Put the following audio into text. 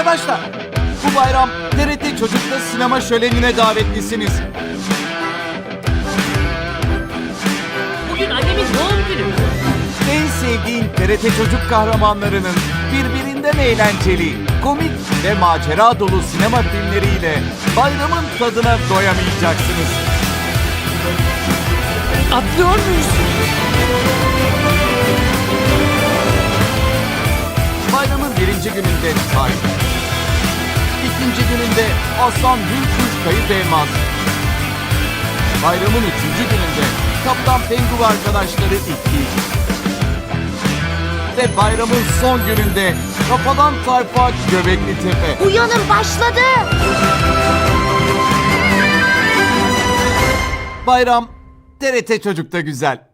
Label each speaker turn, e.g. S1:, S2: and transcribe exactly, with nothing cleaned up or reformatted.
S1: Arkadaşlar, bu bayram T R T Çocuk'ta sinema şölenine davetlisiniz.
S2: Bugün annemin doğum günü.
S1: En sevdiğin T R T Çocuk kahramanlarının birbirinden eğlenceli, komik ve macera dolu sinema filmleriyle bayramın tadına doyamayacaksınız.
S2: Atlıyor muyuz?
S1: Bayramın birinci gününde Tay, ikinci gününde Aslan Hürkuş Kayıp Elmas, bayramın üçüncü gününde Kaptan Pengu ve arkadaşları iki ve bayramın son gününde Kafadan Tayfa Göbekli Tepe.
S3: Uyanın, başladı.
S1: Bayram T R T Çocuk'ta güzel.